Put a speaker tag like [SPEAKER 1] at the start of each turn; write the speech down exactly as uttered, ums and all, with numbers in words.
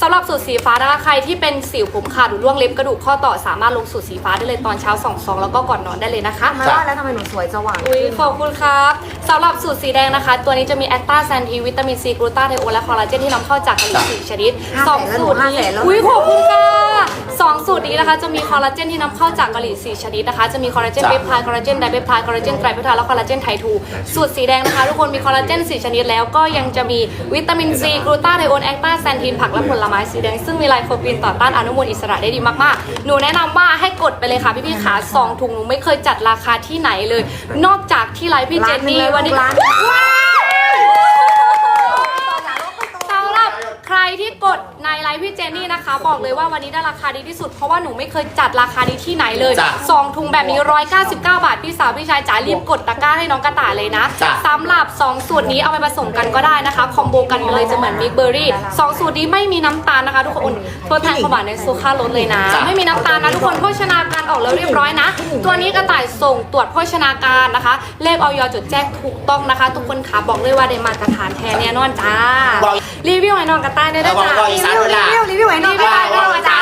[SPEAKER 1] ำหรับสูตรสีฟ้านะคะใครที่เป็นสิวผมขาดหรือร่วงเล็บกระดูกข้อต่อสามารถลงสูตรสีฟ้าได้เลยตอนเช้าสองซองแล้วก็ก่อนนอนได้เลยนะคะ
[SPEAKER 2] มาว่าแล้วทำไมหนูสวยสว่าง
[SPEAKER 1] อุ้ยขอบคุณครับสำหรับสูตรสีแดงนะคะ ตัวนี้จะมีแอคตาแซนทีวิตามินซีกลูตาไทโอนและคอลลาเจนที่นำเข้าจากเกาหลีสี่ชนิดสองสูตรนี้อุ้ยขอบคุณค่ะสองสูตรนี้นะคะจะมีคอลลาเจนที่นำเข้าจากเกาหลีสี่ชนิดนะคะจะมีคอลลาเจนเปปไทด์คอลลาเจนไดเปปไทด์คอลลาเจนไตรเปปไทด์และคอลลาเจนไททูสูตรสีแดงนะคะทุกคนมีคอลลาเจนสี่ชนิดแล้วก็ยังจะมีวิตามินซีกลูตาไทโอนแอคตาแซนทีนผักและผลไม้สีแดงซึ่งมีไลโคปีนต่อต้านอนุมูลอิสระได้ดีมากๆหนูแนะนำว่าให้กดไปเลยค่ะพี่ๆขาสองถุงหนูไม่เคยจัดราคาที่ไหนเลยนอกจากที่ไลฟ์พี่เจนนี่วันนี้สำหรับใครที่กดในไลฟ์พี่เจนนี่นะคะบอกเลยว่าวันนี้ได้ราคาดีที่สุดเพราะว่าหนูไม่เคยจัดราคาดีที่ไหนเลยสองถุงแบบนี้หนึ่งร้อยเก้าสิบเก้าบาทพี่สาวพี่ชายจ๋ารีบกดตะกร้าให้น้องกระต่ายเลยนะสำหรับสองสูตรนี้เอาไปผสมกันก็ได้นะคะคอมโบกันเลยจะเหมือนมิกเบอร์รี่สองสูตรนี้ไม่มีน้ำตาลนะคะทุกคนเพิ่มทานความหวานในซูค่าลดเลยนะไม่มีน้ำตาลนะทุกคนโภชนาการออกแล้วเรียบร้อยนะตัวนี้กระต่ายส่งตรวจโภชนาการนะคะเลขออยจดแจ้งถูกต้องนะคะทุกคนค่ะบอกเลยว่าได้มาตรฐานแท้แน่นอนจ้ารีวิวให้น้องกระต่ายได้ด้วยจ้า
[SPEAKER 2] รีวิวรีวิวรีวิวไว้หน่อย
[SPEAKER 1] รีวิวไว้หน่อยจ้า